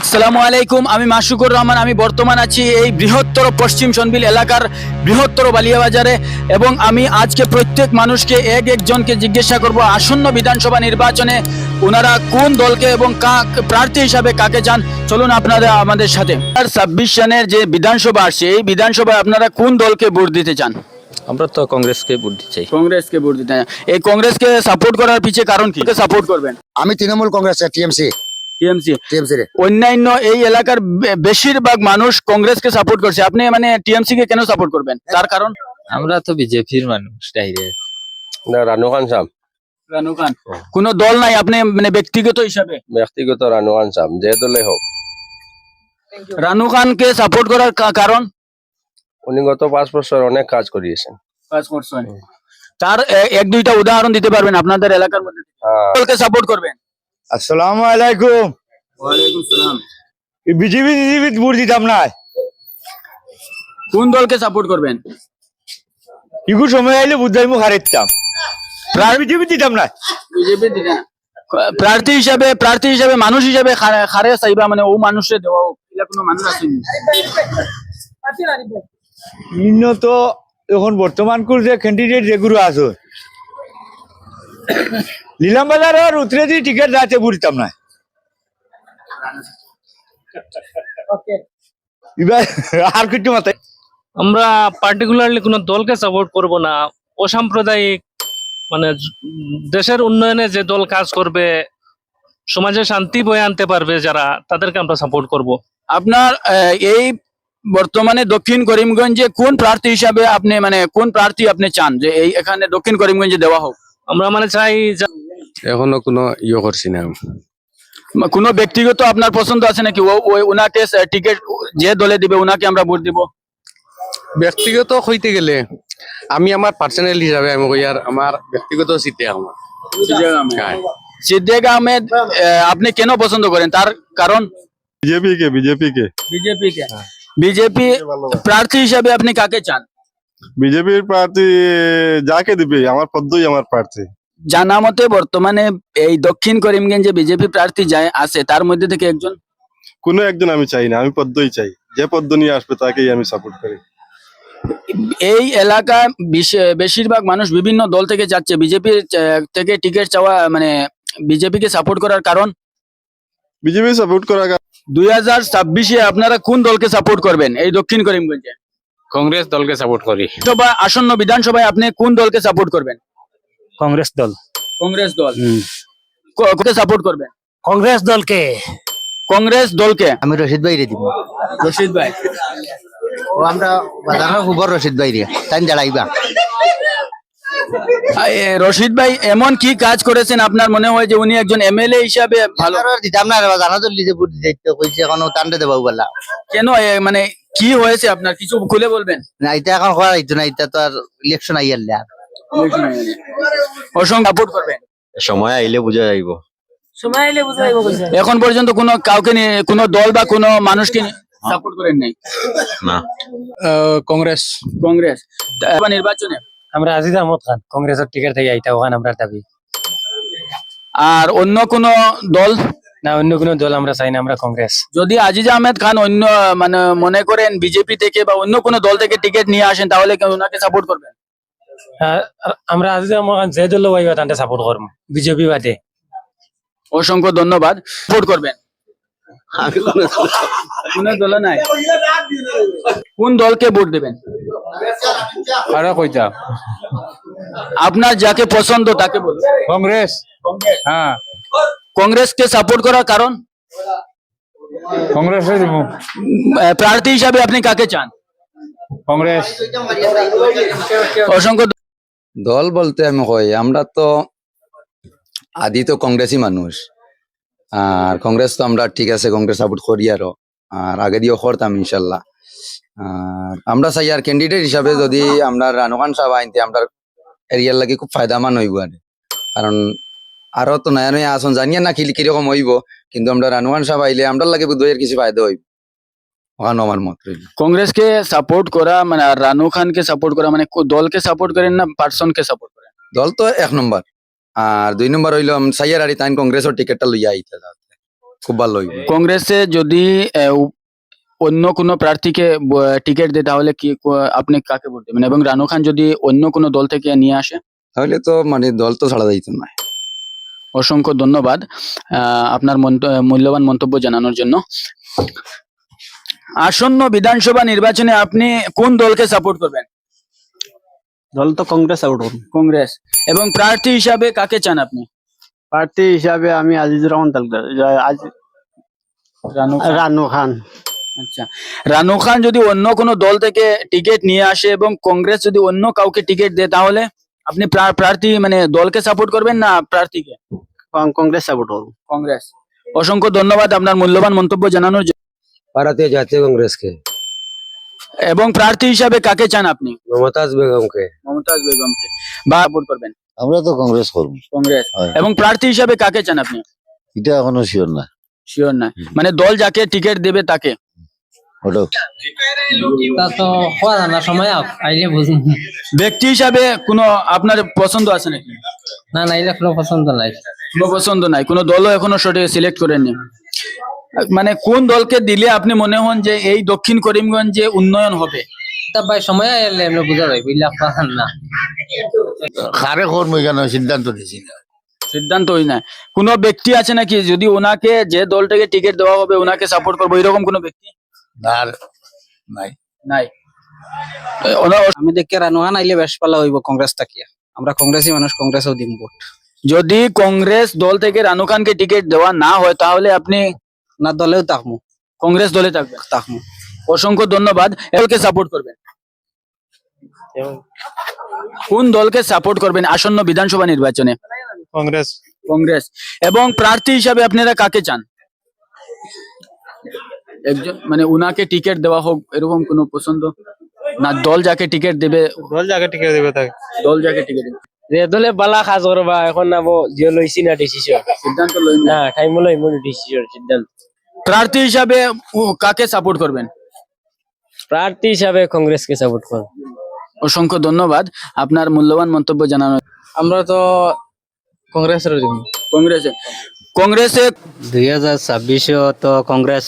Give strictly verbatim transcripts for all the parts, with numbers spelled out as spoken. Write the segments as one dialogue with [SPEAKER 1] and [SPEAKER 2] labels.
[SPEAKER 1] আসসালামু আলাইকুম, আমি মাসুকুর রহমান। আমি বর্তমান আছি এই বৃহত্তর পশ্চিম সনবিল এলাকার বৃহত্তর বালিয়াবাজারে এবং আমি আজকে প্রত্যেক মানুষকে এক একজনকে জিজ্ঞাসা করব আসন্ন বিধানসভা নির্বাচনে ওনারা কোন দলকে এবং প্রার্থী হিসাবে কাকে চান। চলুন আপনারা আমাদের সাথে। ছাব্বিশ সনের যে বিধানসভা আসছে, এই বিধানসভায় আপনারা কোন দলকে ভোট দিতে চান?
[SPEAKER 2] আমরা তো কংগ্রেসকে ভোট দিতে চাই।
[SPEAKER 1] কংগ্রেসকে ভোট দিতে চান। এই কংগ্রেসকে সাপোর্ট করার পিছে কারণ কি? সাপোর্ট করবেন?
[SPEAKER 3] আমি Trinamool Congress TMC
[SPEAKER 1] TMC
[SPEAKER 3] TMC রে
[SPEAKER 1] অন্যান্য এই এলাকার বে- বেশিরভাগ মানুষ কংগ্রেসকে সাপোর্ট করছে। আপনি মানে টিএমসি কে কেন সাপোর্ট করবেন? তার কারণ?
[SPEAKER 2] আমরা তো বিজেপির মানুষ ডাইরেক্ট।
[SPEAKER 4] না, রানু খান সাম
[SPEAKER 1] রানু খান। কোন দল নাই, আপনি মানে ব্যক্তিগত হিসাবে
[SPEAKER 4] ব্যক্তিগত রানু খান সাম যে দলে হোক।
[SPEAKER 1] রানু খানকে সাপোর্ট করার কা- কারণ?
[SPEAKER 4] উনি গত পাঁচ বছর অনেক কাজ করিয়েছেন।
[SPEAKER 1] তার এ- এক দুইটা উদাহরণ দিতে পারবেন আপনাদের এলাকার মধ্যে?
[SPEAKER 4] হ্যাঁ,
[SPEAKER 1] দলকে সাপোর্ট করবেন?
[SPEAKER 3] আসসালামু আলাইকুম।
[SPEAKER 1] ওয়ালাইকুম সালাম।
[SPEAKER 3] বিজেপি বিজেপি ভোট দিতাম না,
[SPEAKER 1] কোন দলকে সাপোর্ট করবেন?
[SPEAKER 3] ইগু সময় আইলে বুঝাই মুখ হারাইতাম, বিজেপি দিতাম না।
[SPEAKER 1] বিজেপি দিকে না। প্রার্থী হিসাবে প্রার্থী হিসাবে মানুষ হিসাবে খারে- খারে চাইবা মানে ও মানুষে দেওয়া হোক, এলা কোনো মানুষ আসেনি।
[SPEAKER 3] ইন্ন তো এখন বর্তমান কোর যে ক্যান্ডিডেট যেগুলো আছে নীলাম বাজারের উতরে দিয়ে টিকিট যাচ্ছে ভোট দিতাম না। এবার আর কিছু মাথায়
[SPEAKER 5] আমরা পার্টিকুলারলি কোনো দলকে সাপোর্ট করব না। অসাম্প্রদায়িক মানে জ- দেশের উন্নয়নে যে দল কাজ করবে, সমাজে শান্তি বয়ে আনতে পারবে যারা, তাদেরকে আমরা সাপোর্ট করব।
[SPEAKER 1] আপনার আহ, এই বর্তমানে দক্ষিণ করিমগঞ্জে কোন প্রার্থী হিসাবে আপনি মানে কোন প্রার্থী আপনি চান যে এই এখানে দক্ষিণ করিমগঞ্জে দেওয়া হোক?
[SPEAKER 5] আমরা মানে চাই যে-
[SPEAKER 4] এখনো কোনো ইয়ে করছি না।
[SPEAKER 1] কোনো ব্যক্তিগত আপনার পছন্দ আছে নাকি? ও ওই ওনাকে টিকিট যে দলে দিবে ওনাকে আমরা ভোট দিব?
[SPEAKER 6] ব্যক্তিগত হইতে গেলে আমি আমার পার্সোনাল হিসাবে আমি কই আর আমার ব্যক্তিগত সিটে আমার হ্যাঁ।
[SPEAKER 1] সিদ্দিক আহমেদ আহ, আপনি কেন পছন্দ করেন? তার কারণ?
[SPEAKER 7] বিজেপি কে বিজেপি কে
[SPEAKER 1] বিজেপি কে বিজেপি প্রার্থী হিসাবে আপনি কাকে চান?
[SPEAKER 7] বিজেপির প্রার্থী যাকে দিবে আমার পদ্মই আমার প্রার্থী।
[SPEAKER 1] জানা মতে বর্তমানে এই দক্ষিণ করিমগঞ্জে বিজেপি প্রার্থী যায় আছে, তার মধ্যে থেকে একজন।
[SPEAKER 7] কোনো একজন আমি চাই না, আমি পদ্মই চাই। যে পদ্ম নিয়ে আসবে তাকেই আমি সাপোর্ট করি।
[SPEAKER 1] এই এলাকায় বিশ- বেশিরভাগ মানুষ বিভিন্ন দল থেকে যাচ্ছে, বিজেপি থেকে টিকিট চাওয়া মানে বিজেপিকে সাপোর্ট করার কারণ?
[SPEAKER 7] বিজেপি সাপোর্ট করা
[SPEAKER 1] দুই হাজার ছাব্বিশে আপনারা কোন দলকে সাপোর্ট করবেন এই দক্ষিণ করিমগঞ্জে?
[SPEAKER 6] কংগ্রেস দলকে সাপোর্ট করি।
[SPEAKER 1] বিধানসভা আসন্ন বিধানসভায় আপনি কোন দলকে সাপোর্ট করবেন?
[SPEAKER 5] কংগ্রেস দল।
[SPEAKER 1] কংগ্রেস দল। ক- কোকে সাপোর্ট করবেন?
[SPEAKER 5] কংগ্রেস দলকে।
[SPEAKER 1] কংগ্রেস দলকে।
[SPEAKER 3] আমি রশিদ ভাই রে দিব।
[SPEAKER 1] রশিদ ভাই।
[SPEAKER 3] ও আমরা বাজারের খবর রশিদ ভাই রে তাই দাঁড়াইবা।
[SPEAKER 1] আহ, এ, রশিদ ভাই এমন কি কাজ করেছেন আপনার মনে হয় যে উনি একজন এমএলএ হিসাবে ভালো?
[SPEAKER 3] দিতাম না জানা তো লিজে ভোট দিতে কইছে এখন টান্ডে দেবাও বলা
[SPEAKER 1] কেন এ, মানে কি হয়েছে আপনার কিছু খুলে বলবেন?
[SPEAKER 3] না, এটা এখন হওয়ার হইতো না, এটা তো আর ইলেকশন আইয়ালে আর
[SPEAKER 1] অসংখ্য সাপোর্ট করবেন।
[SPEAKER 4] সময় আইলে বুঝা যাইব।
[SPEAKER 1] এখন পর্যন্ত কোনো কাউকে নিয়ে কোনো দল বা কোনো মানুষকে সাপোর্ট করেন নাই?
[SPEAKER 4] না,
[SPEAKER 6] কংগ্রেস।
[SPEAKER 1] কংগ্রেস। তা- নির্বাচনে
[SPEAKER 5] আমরা আজিজ আহমদ খান কংগ্রেসের টিকিট থেকে আইতা ওখানে আমরা দাবি।
[SPEAKER 1] আর অন্য কোনো দল?
[SPEAKER 5] না, অন্য কোনো দল আমরা চাই না, আমরা কংগ্রেস।
[SPEAKER 1] যদি আজিজ আহমেদ খান অন্য মানে মনে করেন বিজেপি থেকে বা অন্য কোনো দল থেকে টিকিট নিয়ে আসেন তাহলে কি ওনাকে সাপোর্ট করবেন?
[SPEAKER 5] আমরা আজিজ আহমদ খান যে দল পাইবা তান্তে সাপোর্ট করব, বিজেপি বাদে।
[SPEAKER 1] অসংখ্য ধন্যবাদ। সাপোর্ট করবেন? কোনো দল নাই। কোন দলকে ভোট দেবেন?
[SPEAKER 6] আরে কইতা
[SPEAKER 1] আপনার যাকে পছন্দ তাকে বলুন।
[SPEAKER 6] কংগ্রেস। হ্যাঁ,
[SPEAKER 1] কংগ্রেসকে সাপোর্ট করার কারণ?
[SPEAKER 6] কংগ্রেসে দিব।
[SPEAKER 1] আহ, প্রার্থী হিসাবে আপনি কাকে চান?
[SPEAKER 6] কংগ্রেস।
[SPEAKER 1] অসংখ্য
[SPEAKER 8] দল বলতে আমি কই আমরা তো আদি তো কংগ্রেসই মানুষ, আর কংগ্রেস তো আমরা ঠিক আছে কংগ্রেস সাপোর্ট করি আরো, আর আগে দিয়েও করতাম ইনশাল্লাহ। আর আমরা চাই আর ক্যান্ডিডেট হিসাবে যদি আমরা রানু খান সাহেব আইনতে আমরা এরিয়ার লাগে খুব ফায়দামান হইব আর, কারণ আরো তো নয়া নয়া আসন জানিয়ে না কি কিরকম হইব, কিন্তু আমরা রানু খান সাহেব আইলে আমরা লাগে বুধের কিছু ফায়দা হইব, ওখানে আমার মত রইল।
[SPEAKER 1] কংগ্রেসকে সাপোর্ট করা মানে আর রানু খানকে সাপোর্ট করা মানে কো- দলকে সাপোর্ট করেন না পার্সনকে সাপোর্ট করেন?
[SPEAKER 8] দল তো এক নম্বর, আর দুই নম্বর হইল সাইয়ার আরি তাইন কংগ্রেসের টিকেটটা লইয়া আইতে যাতে খুব ভালো হইব।
[SPEAKER 1] কংগ্রেসে যদি আহ, উ- অন্য কোনো প্রার্থীকে ব- টিকিট দেয় তাহলে কি ক- আপনি কাকে ভোট দেবেন? এবং রানু খান যদি অন্য কোনো দল থেকে নিয়ে আসে?
[SPEAKER 8] তাহলে তো মানে দল তো ছাড়া যাইতো না।
[SPEAKER 1] অসংখ্য ধন্যবাদ আহ, আপনার মন্ত- মূল্যবান মন্তব্য জানানোর জন্য। আসন্ন বিধানসভা নির্বাচনে আপনি কোন দলকে সাপোর্ট করবেন?
[SPEAKER 9] দল তো কংগ্রেস আউট করুন।
[SPEAKER 1] কংগ্রেস। এবং প্রার্থী হিসাবে কাকে চান আপনি?
[SPEAKER 9] প্রার্থী হিসাবে আমি আজিজুর রহমান তালুকদার, যা- আজি-
[SPEAKER 1] রানু খান।
[SPEAKER 9] রানু খান।
[SPEAKER 1] আচ্ছা, রানু খান যদি অন্য কোনো দল থেকে টিকিট নিয়ে আসে এবং কংগ্রেস যদি অন্য কাউকে টিকিট দেয় তাহলে আপনি প্রা- প্রার্থী মানে দলকে সাপোর্ট করবেন না প্রার্থীকে?
[SPEAKER 9] কং- কংগ্রেস সাপোর্ট করুন।
[SPEAKER 1] কংগ্রেস। অসংখ্য ধন্যবাদ আপনার মূল্যবান মন্তব্য জানানোর জন্য।
[SPEAKER 4] ভারতীয় জাতীয় কংগ্রেসকে,
[SPEAKER 1] এবং প্রার্থী হিসাবে কাকে চান আপনি?
[SPEAKER 4] মমতাজ বেগমকে।
[SPEAKER 1] মমতাজ বেগমকে। বা সাপোর্ট করবেন?
[SPEAKER 10] আমরা তো কংগ্রেস করবো,
[SPEAKER 1] কংগ্রেস।
[SPEAKER 10] হয়।
[SPEAKER 1] এবং প্রার্থী হিসাবে কাকে চান আপনি?
[SPEAKER 10] এটা এখনো শিওর না।
[SPEAKER 1] শিওর না, মানে দল যাকে টিকিট দেবে তাকে?
[SPEAKER 10] ওটা
[SPEAKER 2] তা তো হওয়া না সময় আইলে বুঝুন।
[SPEAKER 1] ব্যক্তি হিসাবে কোনো আপনার পছন্দ আছে নাকি?
[SPEAKER 2] না না এলে কোনো পছন্দ নাই।
[SPEAKER 1] কোনো পছন্দ নাই, কোনো দলও এখনো সঠিক সিলেক্ট করেননি। মানে কোন দলকে দিলে আপনি মনে হন যে এই দক্ষিণ করিমগঞ্জে উন্নয়ন হবে?
[SPEAKER 2] তা ভাই সময় এলে এমনি বুঝা যায় বুঝলা পান না।
[SPEAKER 10] কারে করবো এখানে সিদ্ধান্ত নিয়েছি না।
[SPEAKER 1] সিদ্ধান্ত ওই না, কোনো ব্যক্তি আছে নাকি যদি ওনাকে যে দলটাকে টিকিট দেওয়া হবে ওনাকে সাপোর্ট করবো এরকম কোনো ব্যক্তি?
[SPEAKER 10] আর নাই।
[SPEAKER 1] নাই। এ, ওনা-
[SPEAKER 9] আমি দেখি রানু খান আইলে বেশ পালা হইব কংগ্রেস থাকিয়া। আমরা কংগ্রেসী মানুষ, কংগ্রেসও দিম ভোট।
[SPEAKER 1] যদি কংগ্রেস দল থেকে রানু খানকে টিকিট দেওয়া না হয় তাহলে আপনি
[SPEAKER 9] না দলেও তাকমু
[SPEAKER 1] কংগ্রেস দলে থাকবেন?
[SPEAKER 9] তাকমু
[SPEAKER 1] অসংখ্য ধন্যবাদ। দলকে সাপোর্ট করবেন? কোন দলকে সাপোর্ট করবেন আসন্ন বিধানসভা নির্বাচনে?
[SPEAKER 7] কংগ্রেস।
[SPEAKER 1] কংগ্রেস। এবং প্রার্থী হিসাবে আপনারা কাকে চান? একজন মানে উনাকে টিকিট দেওয়া হোক এরকম কোনো পছন্দ না, দল যাকে টিকিট দেবে?
[SPEAKER 7] দল যাকে টিকে দেবে তাকে।
[SPEAKER 1] দল যাকে টিকিট দেবে।
[SPEAKER 2] যে দলে বালা কাজ করবা এখন নামো যে লইছি না ডিসিশন।
[SPEAKER 1] সিদ্ধান্ত লইন না।
[SPEAKER 2] না টাইম লইম ডিসিশন সিদ্ধান্ত।
[SPEAKER 1] প্রার্থী হিসাবে উ- কাকে সাপোর্ট করবেন?
[SPEAKER 2] প্রার্থী হিসাবে কংগ্রেসকে সাপোর্ট করব।
[SPEAKER 1] অসংখ্য ধন্যবাদ আপনার মূল্যবান মন্তব্য জানানোর।
[SPEAKER 9] আমরা তো কংগ্রেসের জন্য।
[SPEAKER 1] কংগ্রেসে। কংগ্রেসে
[SPEAKER 2] দুই হাজার ছাব্বিশও তো কংগ্রেস।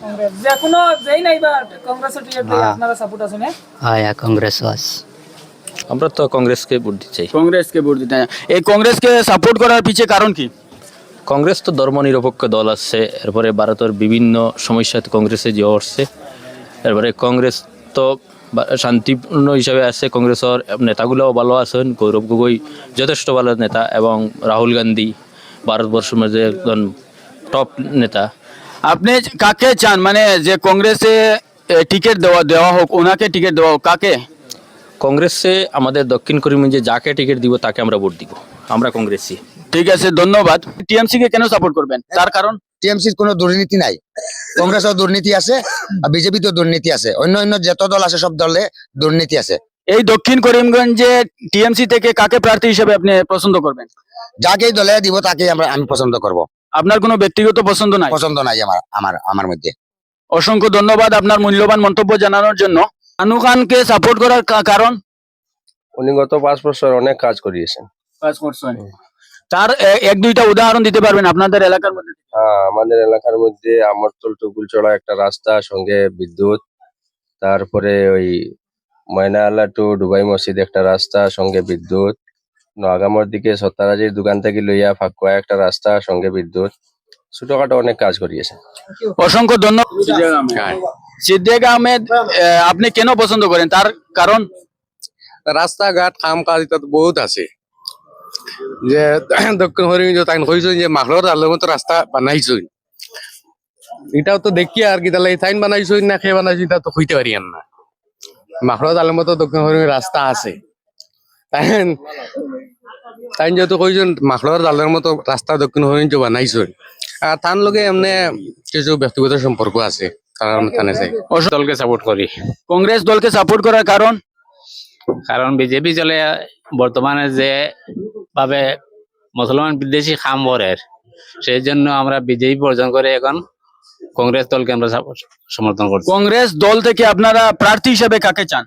[SPEAKER 2] হ্যাঁ কংগ্রেস আস। আমরা তো কংগ্রেসকে ভোট দিতে চাই।
[SPEAKER 1] কংগ্রেসকে ভোট দিতে হয়। এই কংগ্রেসকে সাপোর্ট করার পিছে কারণ কি?
[SPEAKER 2] কংগ্রেস তো ধর্মনিরপেক্ষ দল আছে, এরপরে ভারতের বিভিন্ন সমস্যাতে কংগ্রেসে যে আসছে, এরপরে কংগ্রেস তো বা- শান্তিপূর্ণ হিসাবে আছে। কংগ্রেসের নেতাগুলোও ভালো আছেন, গৌরব গগৈ যথেষ্ট ভালো নেতা এবং রাহুল গান্ধী ভারতবর্ষের মধ্যে একজন টপ নেতা।
[SPEAKER 1] আপনি কাকে চান মানে যে কংগ্রেসে টিকিট দেওয়া দেওয়া হোক ওনাকে টিকিট দেওয়া হোক কাকে?
[SPEAKER 2] কংগ্রেসে আমাদের দক্ষিণ করিমগঞ্জে যাকে টিকিট দিব তাকে আমরা ভোট দিব, আমরা কংগ্রেসী।
[SPEAKER 1] ঠিক আছে, ধন্যবাদ। টিএমসি কে কেন সাপোর্ট করবেন তার কারণ?
[SPEAKER 8] টিএমসির কোনো দুর্নীতি নাই, কংগ্রেসের দুর্নীতি আছে আর বিজেপিতেও দুর্নীতি আছে, অন্য অন্য যত দল আছে সব দলে দুর্নীতি আছে।
[SPEAKER 1] এই দক্ষিণ করিমগঞ্জে টিএমসি থেকে কাকে প্রার্থী হিসেবে আপনি পছন্দ করবেন?
[SPEAKER 8] যাকেই দলে দিব তাকেই আমরা আমি পছন্দ করব,
[SPEAKER 1] আপনার কোনো ব্যক্তিগত পছন্দ নাই?
[SPEAKER 8] পছন্দ নাই আমার আমার আমার মধ্যে।
[SPEAKER 1] অসংখ্য ধন্যবাদ আপনার মূল্যবান মন্তব্য জানানোর জন্য। রানু খানকে সাপোর্ট করার কা- কারণ?
[SPEAKER 4] উনি গত পাঁচ বছর অনেক কাজ করিয়েছেন।
[SPEAKER 1] তার এ- এক দুইটা উদাহরণ দিতে পারবেন আপনাদের এলাকার মধ্যে?
[SPEAKER 4] হ্যাঁ, আমাদের এলাকার মধ্যে আমরতল টুকুলচড়া একটা রাস্তা, সঙ্গে বিদ্যুৎ, তারপরে ওই ময়নাআলা টু ডুবাই মসজিদ একটা রাস্তা, সঙ্গে বিদ্যুৎ, নোয়াগামর দিকে সত্তারাজির দোকান থেকে লইয়া ফাঁকুয়া একটা রাস্তা, সঙ্গে বিদ্যুৎ, ছোটখাটো অনেক কাজ করিয়েছেন।
[SPEAKER 1] অসংখ্য ধন্যবাদ। সিদ্দিক আহমেদ আহ, আপনি কেন পছন্দ করেন তার কারণ?
[SPEAKER 6] রাস্তাঘাট কাম কাজ এটা তো বহুত আছে, যে দক্ষিণ হরিগঞ্জ তাই কইছেন যে মাখলোর আলোর মতো রাস্তা বানাইছই, এটাও তো দেখি আর কি তাহলে তাইন বানাইছই না খেয়ে বানাইছি তা তো কইতে পারি না। মাখলোর আলোর মতো দক্ষিণ হরিগঞ্জ রাস্তা আছে, তাই তাই যেহেতু কইছেন মাখলোর আলোর মতো রাস্তা দক্ষিণ হরিগঞ্জ বানাইছই, আর তার লগে এমনি কিছু ব্যক্তিগত সম্পর্ক আছে, কারণ থানে চাই দলকে সাপোর্ট করি।
[SPEAKER 1] কংগ্রেস দলকে সাপোর্ট করার কারণ?
[SPEAKER 11] কারণ বিজেপি চলে বর্তমানে যে ভাবে মুসলমান বিদ্বেষী খাম ভরের, সেই জন্য আমরা বিজেপি বর্জন করে এখন কংগ্রেস দলকে আমরা সাপোর্ট সমর্থন করছি।
[SPEAKER 1] কংগ্রেস দল থেকে আপনারা প্রার্থী হিসেবে কাকে চান?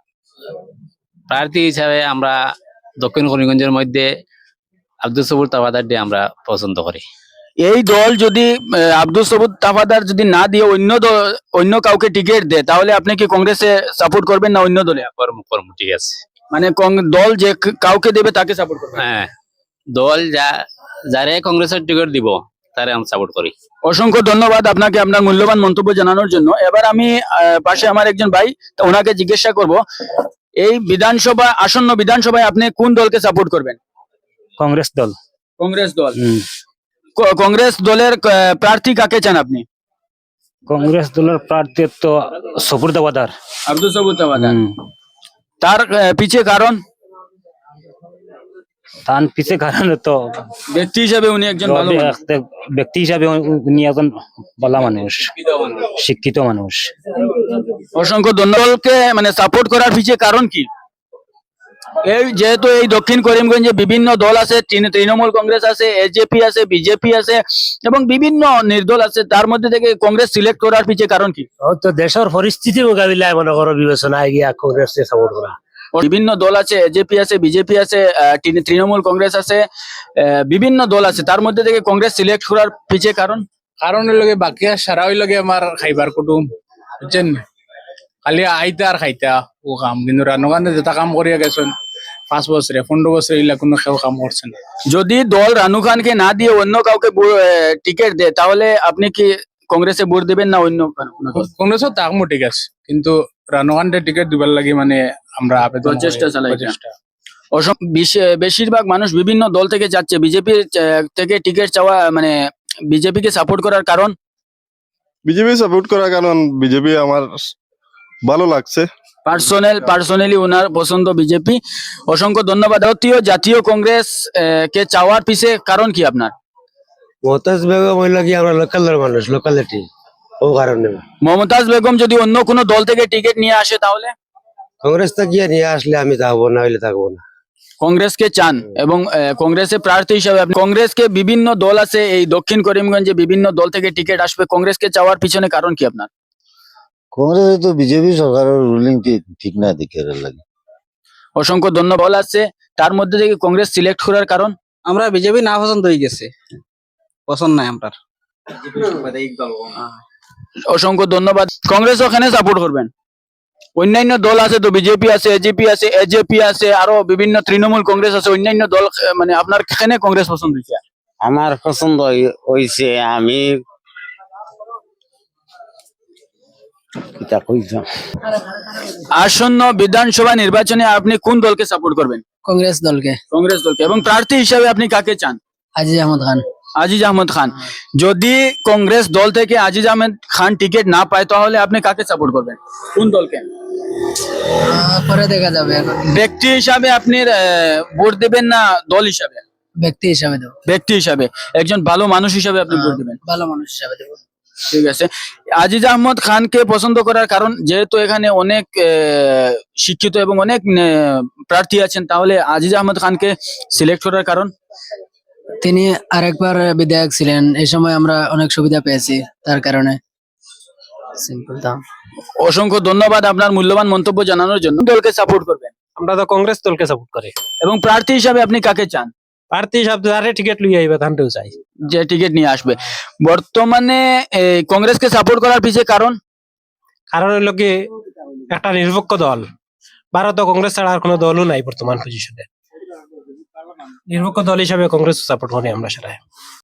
[SPEAKER 11] প্রার্থী হিসাবে আমরা দক্ষিণ করিমগঞ্জের মধ্যে আব্দুল সবুর তাওয়াদার দিয়ে আমরা পছন্দ করি।
[SPEAKER 1] এই দল যদি আহ, আব্দুল সবুদ তাফাদার যদি না দিয়ে অন্য দল- অন্য কাউকে টিকিট দেয় তাহলে আপনি কি কংগ্রেসে সাপোর্ট করবেন না অন্য দলে?
[SPEAKER 11] কর্ম কর্ম ঠিক আছে।
[SPEAKER 1] মানে কং- দল যে ক- কাউকে দেবে তাকে সাপোর্ট করবেন।
[SPEAKER 11] হ্যাঁ, দল যা যারে কংগ্রেসের টিকিট দিব তারে আমি সাপোর্ট করি।
[SPEAKER 1] অসংখ্য ধন্যবাদ আপনাকে আপনার মূল্যবান মন্তব্য জানানোর জন্য। এবার আমি আহ, পাশে আমার একজন ভাই, তা ওনাকে জিজ্ঞাসা করব, এই বিধানসভা আসন্ন বিধানসভায় আপনি কোন দলকে সাপোর্ট করবেন?
[SPEAKER 5] কংগ্রেস দল।
[SPEAKER 1] কংগ্রেস দল। ক- কংগ্রেস দলের আহ, প্রার্থী কাকে চান আপনি?
[SPEAKER 5] কংগ্রেস দলের প্রার্থী তো সফর দাওয়াদার।
[SPEAKER 1] আব্দুল সবুদ তাফাদার। তার আহ, পিছে কারণ?
[SPEAKER 5] তার পিছে কারণ তো
[SPEAKER 1] ব্যক্তি হিসেবে উনি একজন ভালো মানুষ।
[SPEAKER 5] ব্যক্তি হিসাবে উনি একজন ভালো মানুষ, শিক্ষিত মানুষ।
[SPEAKER 1] অসংখ্য ধন্যবাদকে মানে সাপোর্ট করার পিছে কারণ কি? এই যেহেতু এই দক্ষিণ করিমগঞ্জে বিভিন্ন দল আছে, তৃণ- তৃণমূল কংগ্রেস আছে, এজেপি আছে, বিজেপি আছে এবং বিভিন্ন নির্দল আছে, তার মধ্যে থেকে কংগ্রেস সিলেক্ট করার পিছে কারণ কি?
[SPEAKER 5] তো দেশের পরিস্থিতি মোকাবিলায় মনে করো বিবেচনায় গিয়া কংগ্রেস সাপোর্ট করা।
[SPEAKER 1] বিভিন্ন দল আছে, এজেপি আছে, বিজেপি আছে, আহ, তৃণ- তৃণমূল কংগ্রেস আছে, আহ, বিভিন্ন দল আছে, তার মধ্যে থেকে কংগ্রেস সিলেক্ট করার পিছে কারণ?
[SPEAKER 6] কারণ লগে বাকি আর সারা ওই লগে আমার খাইবার কুটুম বুঝছেন, খালি আইতা আর খাইতা ও কাম, কিন্তু রানুকান্তে যেটা কাম করিয়া গেছেন পাঁচ বছরে পনেরো বছরে এগুলা কোনো কেউ কাম করছে না।
[SPEAKER 1] যদি দল রানু খানকে না দিয়ে অন্য কাউকে টিকিট দেয় তাহলে আপনি কি কংগ্রেসে ভোট দিবেন না অন্য কোনো দল?
[SPEAKER 6] কংগ্রেসও তাকমো ঠিক আছে, কিন্তু রানুকান্তে টিকিট দিবার লাগে মানে আমরা আবেদন করি,
[SPEAKER 1] প্রচেষ্টা চালাই।
[SPEAKER 6] প্রচেষ্টা।
[SPEAKER 1] অসম বেশি- বেশিরভাগ মানুষ বিভিন্ন দল থেকে যাচ্ছে, বিজেপি থেকে টিকিট চাওয়া মানে বিজেপিকে সাপোর্ট করার কারণ?
[SPEAKER 7] বিজেপি সাপোর্ট করার কারণ বিজেপি আমার ভালো লাগছে।
[SPEAKER 1] পার্সোনাল পার্সোনালি ওনার পছন্দ বিজেপি। অসংখ্য ধন্যবাদ। ভারতীয় জাতীয় কংগ্রেস আহ, কে চাওয়ার পিছে কারণ কি আপনার?
[SPEAKER 5] মমতাজ বেগম হইল কি আমরা লোকালের মানুষ, লোকালিটি, ও কারণে।
[SPEAKER 1] মমতাজ বেগম যদি অন্য কোনো দল থেকে টিকিট নিয়ে আসে তাহলে
[SPEAKER 5] কংগ্রেস তো গিয়ে নিয়ে আসলে আমি থাকবো, না হইলে থাকবো না।
[SPEAKER 1] কংগ্রেসকে চান এবং আহ, কংগ্রেসের প্রার্থী হিসাবে আপনি কংগ্রেসকে বিভিন্ন দল আছে এই দক্ষিণ করিমগঞ্জে বিভিন্ন দল থেকে টিকিট আসবে, কংগ্রেসকে চাওয়ার পিছনে কারণ কি আপনার?
[SPEAKER 10] কংগ্রেস তো বিজেপি সরকারের রুলিং ঠিক না দেখে লাগে।
[SPEAKER 1] অসংখ্য ধন্যবাদ আছে, তার মধ্যে থেকে কংগ্রেস সিলেক্ট করার কারণ?
[SPEAKER 9] আমরা বিজেপি না পছন্দ হয়ে গেছে, পছন্দ নাই আমরা।
[SPEAKER 1] অসংখ্য ধন্যবাদ। কংগ্রেস ওখানে সাপোর্ট করবেন? অন্যান্য দল আছে তো, বিজেপি আছে, এজিপি আছে, এজেপি আছে, আরো বিভিন্ন তৃণমূল কংগ্রেস আছে, অন্যান্য দল আহ, মানে আপনার এখানে কংগ্রেস পছন্দ হয়েছে?
[SPEAKER 10] আমার পছন্দ হইছে, আমি
[SPEAKER 1] আসন্ন বিধানসভা নির্বাচনে আপনি কোন দলকে সাপোর্ট করবেন?
[SPEAKER 9] কংগ্রেস দলকে।
[SPEAKER 1] কংগ্রেস দলকে। এবং প্রার্থী হিসাবে আপনি কাকে চান?
[SPEAKER 9] আজিজ আহমদ খান।
[SPEAKER 1] আজিজ আহমদ খান। যদি কংগ্রেস দল থেকে আজিজ আহমদ খান টিকিট না পায় তাহলে আপনি কাকে সাপোর্ট করবেন? কোন দলকে?
[SPEAKER 9] পরে দেখা যাবে, এখন
[SPEAKER 1] ব্যক্তি হিসাবে আপনি আহ, ভোট দেবেন না দল হিসাবে?
[SPEAKER 9] ব্যক্তি হিসাবে দেবো।
[SPEAKER 1] ব্যক্তি হিসাবে, একজন ভালো মানুষ হিসাবে আপনি ভোট দেবেন।
[SPEAKER 9] ভালো মানুষ হিসাবে দেবো।
[SPEAKER 1] ঠিক আছে। আজিজ আহমদ খানকে পছন্দ করার কারণ, যেহেতু এখানে অনেক আহ, শিক্ষিত এবং অনেক আহ, প্রার্থী আছেন, তাহলে আজিজ আহমদ খানকে সিলেক্ট করার কারণ?
[SPEAKER 9] তিনি আরেকবার বিধায়ক ছিলেন, এই সময় আমরা অনেক সুবিধা পেয়েছি তার কারণে। সিম্পল দাম।
[SPEAKER 1] অসংখ্য ধন্যবাদ আপনার মূল্যবান মন্তব্য জানানোর জন্য। কোন দলকে সাপোর্ট করবেন?
[SPEAKER 5] আমরা তো কংগ্রেস দলকে সাপোর্ট করি।
[SPEAKER 1] এবং প্রার্থী হিসাবে আপনি কাকে চান?
[SPEAKER 5] প্রার্থী হিসাবে যারে টিকিট লইয়া আইবে তানটাও চাই।
[SPEAKER 1] যে টিকিট নিয়ে আসবে। বর্তমানে এই, কংগ্রেসকে সাপোর্ট করার পিছে কারণ?
[SPEAKER 5] কারণ হইল কি একটা নিরপেক্ষ দল, ভারত কংগ্রেস ছাড়া আর কোনো দলও নাই বর্তমান পজিশনে। নিরপেক্ষ দল হিসাবে কংগ্রেস সাপোর্ট করি আমরা সেটাই।